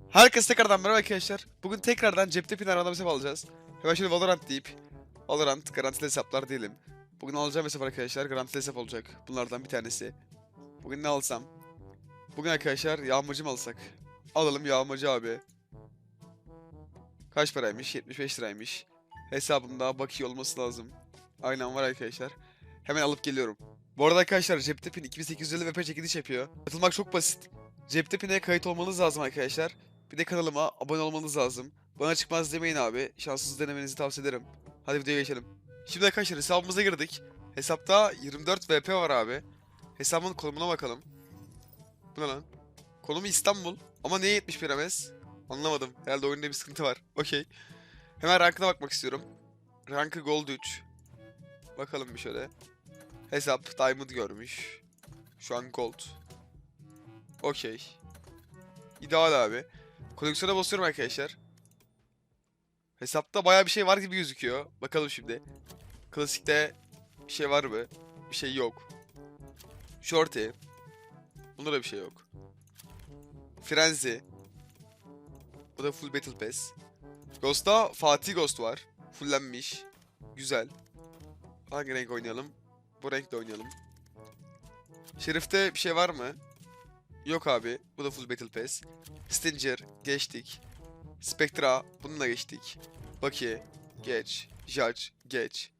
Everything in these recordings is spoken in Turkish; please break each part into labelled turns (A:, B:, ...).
A: Herkese tekrardan merhaba arkadaşlar. Bugün tekrardan cepte pin arada hesap alacağız. Hemen şöyle Valorant deyip Valorant garantili hesaplar diyelim. Bugün alacağım hesap arkadaşlar garantili hesap olacak. Bunlardan bir tanesi. Bugün ne alsam? Bugün arkadaşlar yağmacı mı alsak? Alalım yağmacı abi. Kaç paraymış? 75 liraymış. Hesabımda bakiye olması lazım. Aynen var arkadaşlar. Hemen alıp geliyorum. Bu arada arkadaşlar cepte pin 2850 VP çekiliş yapıyor. Katılmak çok basit. Cepte pin'e kayıt olmanız lazım arkadaşlar. Bir de kanalıma abone olmanız lazım. Bana çıkmaz demeyin abi. Şanssız denemenizi tavsiye ederim. Hadi videoya geçelim. Şimdi arkadaşlar hesabımıza girdik. Hesapta 24 VP var abi. Hesabın konumuna bakalım. Bu ne lan? Konumu İstanbul. Ama niye 71 MS? Anlamadım. Herhalde oyunda bir sıkıntı var. Okey. Hemen rankına bakmak istiyorum. Rankı Gold 3. Bakalım bir şöyle. Hesap Diamond görmüş. Şu an Gold. Okey. İdeal abi. Koleksiyona basıyorum arkadaşlar. Hesapta bayağı bir şey var gibi gözüküyor. Bakalım şimdi. Klasikte bir şey var mı? Bir şey yok. Shorty. Bunda da bir şey yok. Frenzy. Bu da full Battle Pass. Ghost'ta Fatih Ghost var. Fullenmiş. Güzel. Hangi renk oynayalım? Bu renkle oynayalım. Şerif'te bir şey var mı? Yok abi. Bu da full Battle Pass. Stinger. Geçtik. Spectra. Bununla geçtik. Baki. Geç. Judge. Geç.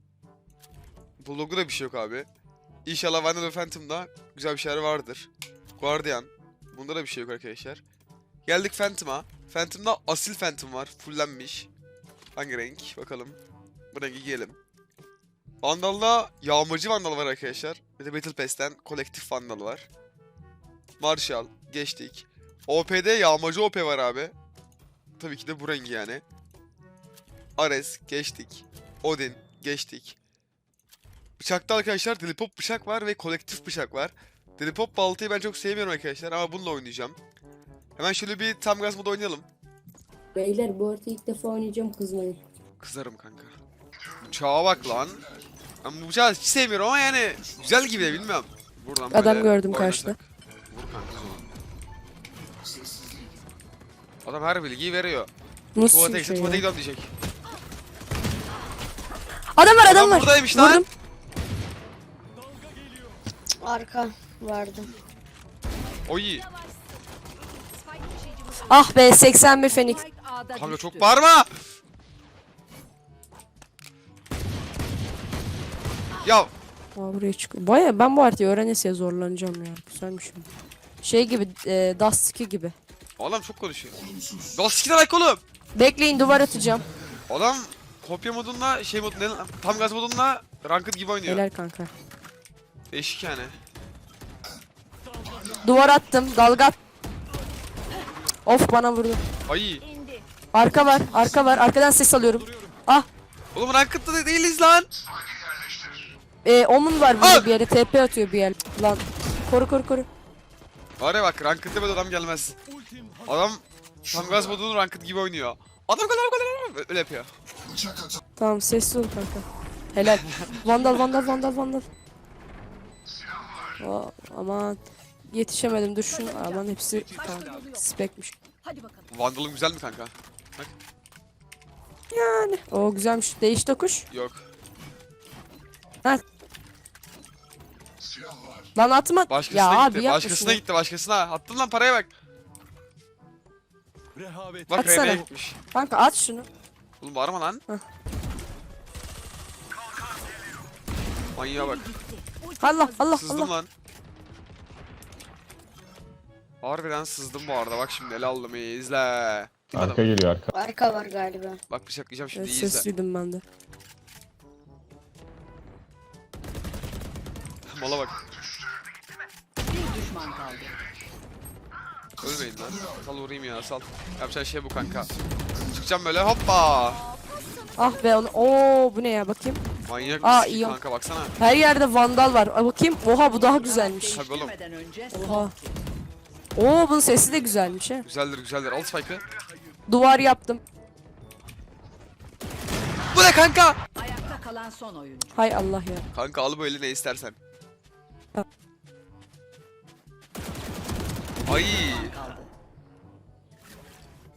A: Bu logoda bir şey yok abi. İnşallah Vandal ve Phantom'da güzel bir şeyler vardır. Guardian. Bunda da bir şey yok arkadaşlar. Geldik Phantom'a. Phantom'da asil Phantom var. Fullenmiş. Hangi renk? Bakalım. Bu rengi giyelim. Vandal'da yağmacı Vandal var arkadaşlar. Bir de Battle Pass'ten kolektif Vandal var. Marshall. Geçtik. OP'de yağmacı OP var abi. Tabii ki de bu rengi yani. Ares. Geçtik. Odin. Geçtik. Bıçakta arkadaşlar Delipop bıçak var ve kolektif bıçak var. Delipop baltayı ben çok sevmiyorum arkadaşlar ama bununla oynayacağım. Hemen şöyle bir tam gaz modu oynayalım.
B: Beyler bu arada ilk defa oynayacağım, kızmayın.
A: Kızarım kanka. Bıçağa bak lan. Ben bu bıçağı hiç sevmiyorum ama yani güzel gibi de bilmiyorum. Buradan
B: Adam
A: böyle
B: gördüm
A: oynasak.
B: karşıda.
A: Vur kanka. Adam her bilgiyi veriyor.
B: Nasıl
A: Tuvalete
B: bir
A: gitsin
B: şey
A: tuvalete
B: ya?
A: gidiyorum diyecek.
B: Adam var, adam var.
A: Buradaymış lan.
B: Vurdum.
C: Arka vardı.
A: Oy.
B: Ah be, 81 Fenix.
A: Kanka çok bağırma. Ya
B: Aa, buraya çıkıyor. Baya ben bu haritayı öğrenesiye zorlanacağım ya. Güzelmiş. Şey gibi, Dust 2 gibi.
A: adam çok konuşuyor. Lastikine bak oğlum.
B: Bekleyin, duvar atacağım.
A: Adam kopya modunla şey mod ne lan? Tam gaz modunla ranked gibi oynuyor.
B: Helal kanka.
A: Değişik yani.
B: Duvar attım, dalga at. Of, bana vurdu.
A: Ay.
B: Arka var, arka var. Arkadan ses alıyorum. Ah,
A: Oğlum ranked'da da değiliz lan.
B: Omun var burada bir yere. TP atıyor bir yer. Lan. Koru koru koru.
A: Var ya bak ranked'da böyle adam gelmez. Adam tam gaz modunun ranked gibi oynuyor. Adam kadar öyle yapıyor.
B: Tamam, sessiz ol kanka. Helal. Vandal vandal vandal vandal. Aa, aman. Yetişemedim, dur şunu. Aman hepsi tamam. Spekmiş.
A: Vandal'ın güzel mi kanka? Bak.
B: Yani. O güzelmiş. Değiş tokuş.
A: Yok.
B: Ha. Lan atma.
A: Başkasına
B: Ya abi
A: gitti.
B: yapma
A: Başkasına
B: şunu.
A: gitti. Başkasına. Attın lan paraya bak. Bak
B: Atsana.
A: Reyna'ya gitmiş.
B: Kanka at şunu.
A: Oğlum bağırma lan.
B: Heh.
A: Manyağa bak.
B: Allah Allah
A: Sızdım
B: Allah.
A: lan. Harbiden sızdım bu arada. Bak şimdi ele aldım iyi izle.
D: Arka geliyor arka.
C: Arka var galiba.
A: Bak bıçaklayacağım şimdi
B: Evet,
A: iyi izle.
B: sesliydim ben de.
A: Mola bak.
E: Bir düşman kaldı.
A: Ölmeyin lan. Sal vurayım ya sal. Yapacağın şey bu kanka. Çıkacağım böyle hoppa.
B: Ah be onu. Oo, bu ne ya, bakayım.
A: Manyak
B: Aa,
A: mısın
B: iyi.
A: kanka baksana.
B: Her yerde vandal var. Aa, bakayım. Oha, bu daha güzelmiş.
A: Tabii oğlum.
E: Değiştirmeden önce
B: Oha. Oo, bunun sesi de güzelmiş he.
A: Güzeldir güzeldir. Al spike'ı.
B: Duvar yaptım.
A: Bu ne kanka?
E: ayakta kalan son oyuncu.
B: Hay Allah ya.
A: Kanka al böyle ne istersen. Ay.
E: Kaldı.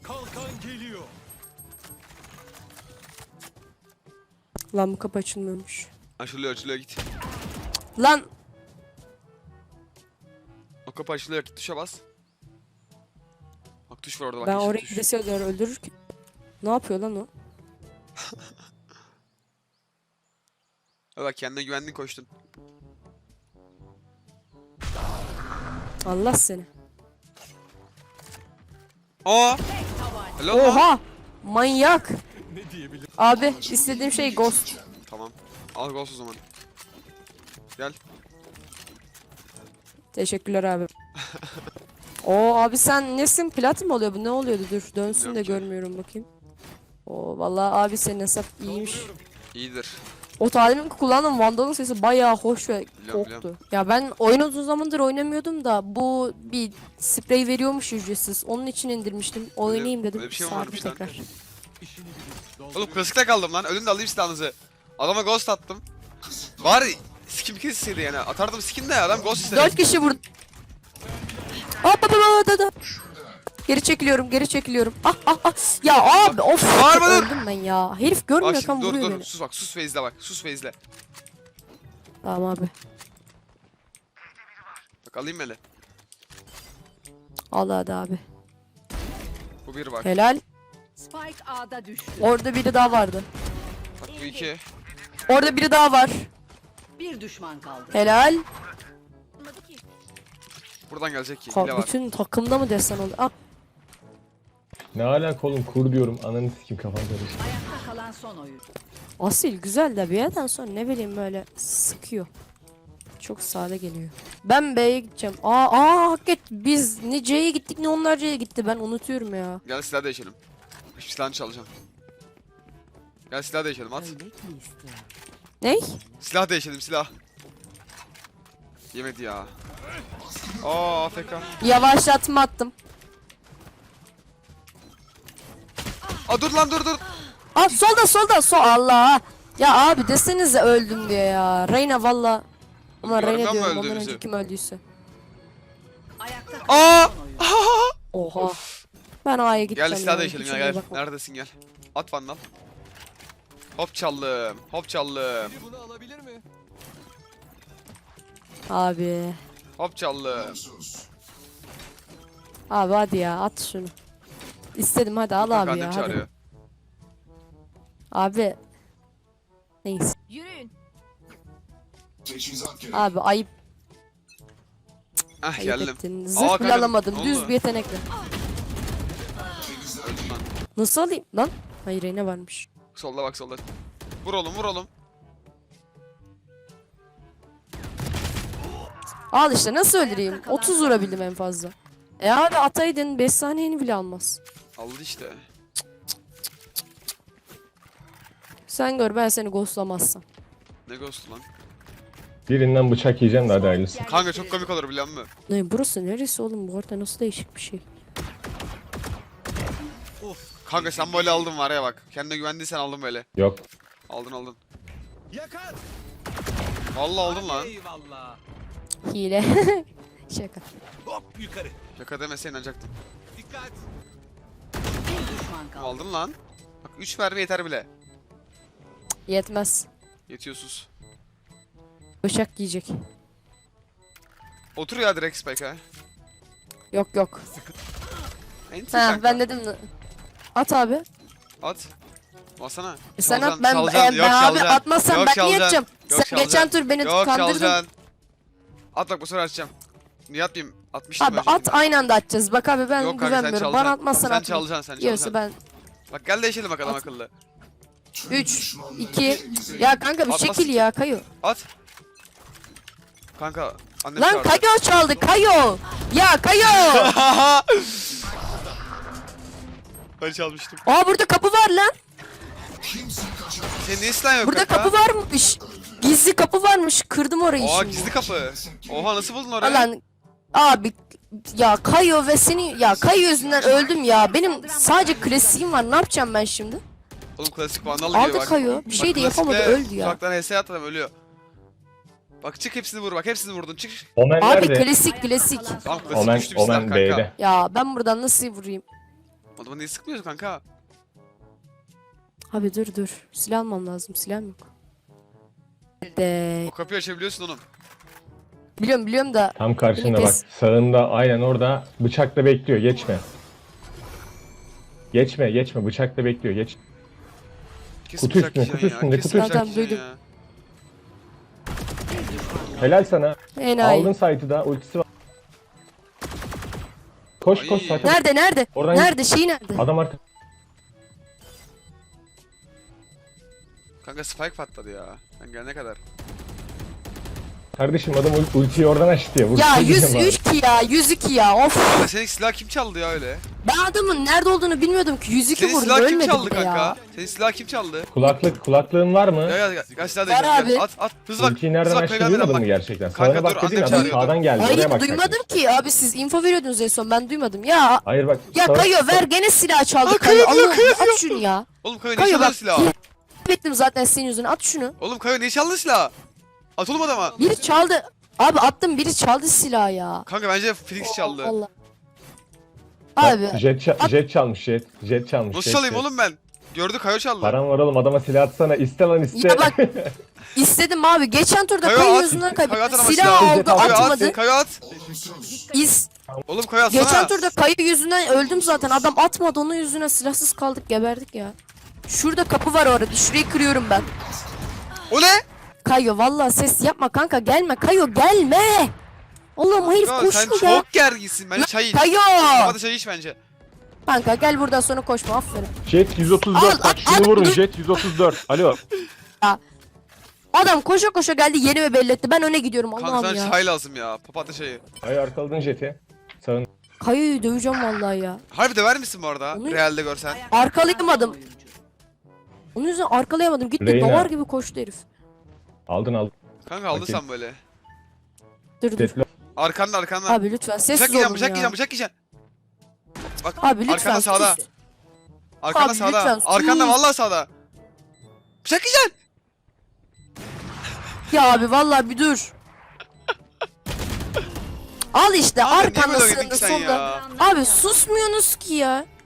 B: Lan bu kapı açılmıyormuş.
A: Açılıyor açılıyor git.
B: Lan
A: O kapı açılıyor git tuşa bas. Bak tuş var orada bak.
B: ben
A: yeşil
B: oraya
A: tuş.
B: gidesiye doğru öldürürken. Ne yapıyor lan o?
A: Bak kendine güvendin koştun.
B: Allah seni.
A: Aa! Helal lan.
B: Oha! Manyak. Abi istediğim şey ghost.
A: Tamam. Al ghost o zaman. Gel.
B: Teşekkürler abi. Oo abi sen nesin? Plat mı oluyor bu? Ne oluyordu? Dur dönsün de
A: Bilmiyorum ki.
B: görmüyorum bakayım. Oo vallahi abi senin hesap iyiymiş.
A: İyidir.
B: O talimin kullandığım Vandal'ın sesi bayağı hoş ve
A: Biliyorum,
B: koktu. Ya ben oyun uzun zamandır oynamıyordum da bu bir sprey veriyormuş ücretsiz. Onun için indirmiştim. Oynayayım dedim.
A: öyle bir şey mi
B: Sardı
A: varmış lan?
B: tekrar.
A: Oğlum klasikte kaldım lan. Ölün de alayım silahınızı. Adama ghost attım. Var skin bir kez istedi yani. Atardım skin de adam ghost istedi.
B: 4 kişi vurdu. Hop hop hop hop, hop. Geri çekiliyorum, geri çekiliyorum. Ah ah ah. Ya abi of.
A: Bağırma dur.
B: Öldüm ben ya. Herif
A: Bak
B: görmüyorken
A: şimdi dur
B: vuruyor
A: dur
B: beni.
A: sus bak sus Feyz'le bak sus Feyz'le.
B: Tamam abi.
A: Bak alayım hele.
B: Al hadi abi.
A: Bu bir bak.
B: Helal.
E: Spike A'da düştü.
B: Orada biri daha vardı.
A: Bak bu iki.
B: Orada biri daha var.
E: Bir düşman kaldı.
B: Helal.
A: Buradan gelecek ki. Hile var.
B: Bütün takımda mı desen oldu? Ah.
D: Ne alaka oğlum kur diyorum ananı sikim kafam karıştı.
E: Ayakta kalan son oyuncu.
B: Asil güzel de bir yerden sonra ne bileyim böyle sıkıyor. Çok sade geliyor. Ben B'ye gideceğim. Hakikaten biz ne C'ye gittik ne onlar C'ye gitti. Ben unutuyorum ya.
A: Gel silah değişelim. Hiçbir silahını çalacağım. Gel silah değişelim at.
B: Ney?
A: Silah değişelim silah. Yemedi ya. Aa AFK.
B: Yavaşlatma attım.
A: Aa dur lan dur dur.
B: Aa solda sol Allah. Ya abi desenize öldüm diye ya. Reyna valla. Ama
A: Görmüyor
B: Reyna
A: musun
B: diyorum ondan
A: öldüğümüzü?
B: önce kim öldüyse.
E: Ayakta
A: Aa!
E: kalan son oyuncu.
B: Oha. Ben A'ya gideceğim
A: Gel silah
B: ya,
A: değişelim
B: hiç
A: ya
B: ona
A: gel.
B: bakma.
A: Neredesin gel. At vandal. Hop çaldım. Hop çaldım.
B: Abi.
A: Hop çaldım.
B: Abi hadi ya at şunu. İstedim hadi al
A: Kanka
B: abi ya
A: annem
B: hadi.
A: çağırıyor.
B: Abi. Neyse.
E: Yürüyün.
B: Abi ayıp
A: Ah
B: ayıp
A: geldim.
B: ettin.
A: Aa,
B: Zırh bile
A: kanka,
B: alamadım.
A: ne
B: Düz
A: oldu?
B: bir yetenekle.
A: Öldüm lan.
B: Nasıl alayım lan? Hayır ne varmış.
A: Solda bak solda. Vur oğlum vur oğlum.
B: Al işte nasıl öldüreyim?
E: Ayakta kalan
B: 30
E: son
B: vurabildim en fazla. Abi ataydın 5 saniyeni bile almaz.
A: Aldı işte.
B: Sen gör ben seni ghostlamazsam.
A: Ne ghost'u lan.
D: Birinden bıçak yiyeceğim de hadi hayırlısı.
A: Kanka çok komik olur biliyor musun?
B: Ne burası neresi oğlum bu arada nasıl değişik bir şey.
A: Kanka sen böyle aldın var ya bak. Kendine güvendiysen aldın böyle.
D: Yok.
A: Aldın aldın.
F: Yakar.
A: Vallahi aldın lan.
F: Eyvallah.
B: Hile. Şaka.
F: Hop yukarı.
A: Şaka demese inanacaktım.
F: Dikkat.
E: Bir düşman kaldı.
A: Aldın lan. Bak 3 mermi yeter bile.
B: Yetmez.
A: Yetiyorsunuz.
B: Bıçak yiyecek.
A: Otur ya direkt spike'a.
B: Yok yok.
A: Enti
B: Ha
A: kanka.
B: ben dedim. At abi.
A: At. Basana.
B: Sen at
A: Çalacaksın,
B: ben,
A: çalacaksın. Yok,
B: ben abi
A: çalacaksın.
B: atmazsam
A: Yok,
B: ben niye
A: çalacaksın.
B: atacağım?
A: Yok,
B: Sen geçen
A: çalacaksın.
B: tur beni
A: Yok
B: kandırdın.
A: çalacaksın. At bak bu sefer atacağım. Niye atmayayım? Atmıştım
B: Abi
A: öncekinde.
B: at aynı anda atacağız. Bak abi ben
A: Yok kanka, sen
B: güvenmiyorum. Bana
A: çalacaksın.
B: atmazsan
A: Sen
B: atma.
A: çalacaksın sen
B: Yiyorsa
A: çalacaksın.
B: ben
A: Bak gel değişelim bakalım
B: At.
A: akıllı.
B: 3 2 ya kanka bir
A: Atmaz.
B: şekil ya Kayo.
A: At. Kanka annem
B: Lan
A: çağırdı.
B: Kayo çaldı Kayo. Ya Kayo.
A: Ben çalmıştım.
B: Aa burada kapı var lan.
A: Senin niye silahın yok
B: Burada
A: kanka?
B: kapı varmış. Gizli kapı varmış. Kırdım orayı
A: Oha
B: şimdi.
A: gizli kapı. Oha nasıl buldun orayı?
B: Lan abi ya Kayo ve seni ya Kayo yüzünden öldüm ya. Benim sadece klasiğim var. Ne yapacağım ben şimdi?
A: Oğlum klasik vandal gibi
B: Aldı
A: bak.
B: Kayo. Bir şey de
A: klasikle
B: yapamadı öldü ya.
A: Uzaktan HS at adam ölüyor. Bak çık hepsini vur bak hepsini vurdun çık.
D: Omen
B: Abi
D: nerede?
B: klasik klasik.
A: Tamam klasik
D: Omen,
A: güçlü bir silah
D: Omen
A: kanka.
D: B'de.
B: Ya ben buradan nasıl vurayım?
A: Adamı niye sıkmıyorsun kanka?
B: Abi dur. Silah almam lazım. Silahım yok. De.
A: O kapıyı açabiliyorsun oğlum.
B: Biliyorum da.
D: Tam karşında bak.
B: Pes.
D: Sağında aynen orada bıçakla bekliyor. Geçme. Geçme. Bıçakla bekliyor. Geç.
A: Kesin
D: Kutu
A: bıçak
D: üstünde,
A: yiyeceksin
D: kutu
A: ya,
D: üstünde,
A: kesin
D: kutu
A: bıçak
B: üstünde.
A: yiyeceksin ya.
D: Helal sana.
B: Enayi.
D: Aldın site'ı da. Ultisi var. Koş
A: Ay.
D: site'e.
B: Nerede?
D: Oradan
B: Nerede? Şey nerede?
D: Adam arka.
A: Kanka spike patladı ya. Sen gelene kadar.
D: Kardeşim adam ultiyi oradan açtı ya.
B: Ya
D: Vursana diyeceğim
B: 103 ki ya. 102 ya. Of.
A: Kanka senin silah kim çaldı ya öyle?
B: Ben adamın nerede olduğunu bilmiyordum ki. 102
A: Senin
B: vurdu.
A: silah kim
B: Ölmedi
A: çaldı
B: bile ya.
A: kanka? Senin silah kim çaldı?
D: Kulaklığın var mı?
A: Gel silah
B: Var
A: değiştir.
B: abi.
A: Gel. At. Hızlı bak.
D: Ultiyi nereden
A: Hızlı bak.
D: açtı
A: Kaygan
D: duymadın
A: bak.
D: mı gerçekten?
A: Kanka
D: Sağına
A: dur,
D: bak dediğim
A: annem
D: adam
A: çağırıyordu.
D: sağdan geldi. Oraya
B: Hayır
D: bak.
B: duymadım ki. Abi siz info veriyordunuz en son. Ben duymadım. Ya
D: Hayır bak.
B: ya
D: sağ-
B: Kayo ver gene silah çaldı.
A: Aa,
B: Kayo
A: Kayo diyor,
B: Allah'ım
A: Kayo
B: at şunu ya.
A: Oğlum Kayo ne
B: Kayo
A: çaldın
B: bak.
A: silahı?
B: Ettim zaten senin yüzüne. At şunu.
A: Oğlum Kayo ne çaldın silahı? At oğlum adama.
B: Biri çaldı. Abi attım biri çaldı silahı ya.
A: Kanka bence Felix çaldı.
B: Allah.
D: Bak,
B: Abi
D: Jet çalmış jet. Jet çalmış.
A: Nasıl
D: jet,
A: çalayım
D: jet.
A: oğlum ben? Gördü Kayo çaldı.
D: Param var oğlum adama silah atsana. İste lan iste.
B: ya bak istedim abi. Geçen turda
A: Kayo
B: Kayo
A: at.
B: yüzünden
A: Kayo at
B: kaybettim.
A: ama
B: Silah
A: silahı.
B: aldı
D: Kayo
B: atmadı.
A: Kayo at.
B: Biz
A: Oğlum Kayo atsana.
B: geçen turda Kayo yüzünden öldüm zaten. Adam atmadı onun yüzünden silahsız kaldık geberdik ya. Şurada kapı var orada. Şurayı kırıyorum ben.
A: O ne?
B: Kayo vallahi ses yapma kanka gelme. Kayo gelme. Allah'ım herif
A: Kanka, sen
B: koşuyor ya.
A: çok gerginsin. Bence çay iç.
B: Kayo.
A: Hadi çay iç bence.
B: Kanka gel buradan sonra koşma aferin.
G: Jet 134
B: Al,
G: bak
B: al,
G: şunu vurun
B: dur.
G: Jet 134. Alo.
B: Adam koşa koşa geldi yerimi belli etti. Ben öne gidiyorum
A: Kanka
B: Allah'ım
A: sana
B: ya.
A: çay lazım ya. Papatya çayı.
D: Hayır arkaladın jeti. Sağın.
B: Kayo'yu döveceğim vallahi ya.
A: Harbi döver misin bu arada?
B: Onu-
A: Realde görsen.
B: Arkalayamadım. Onun yüzünden arkalayamadım. Gitti
D: Reyna.
B: dolar gibi koştu herif.
D: Aldın.
A: Kanka aldın
D: Bakayım.
A: sen böyle.
B: Dur.
D: Jet'le
A: Arkanda.
B: Abi lütfen
A: Bıçak
B: sessiz
A: yiyeceğim,
B: olun
A: bıçak
B: ya.
A: yiyeceğim, bıçak yiyeceğim. Bak
B: Abi lütfen
A: arkanda sağda.
B: sus.
A: Arkanda
B: Abi
A: sağda.
B: lütfen,
A: Arkanda
B: sus.
A: vallahi sağda. Bıçak yiyeceksin.
B: Ya abi vallahi bir dur. Al işte
A: Kanka niye
B: arkanda
A: böyle oynadın
B: sığındı
A: ki sen
B: solda.
A: ya?
B: Abi susmuyorsunuz ki ya.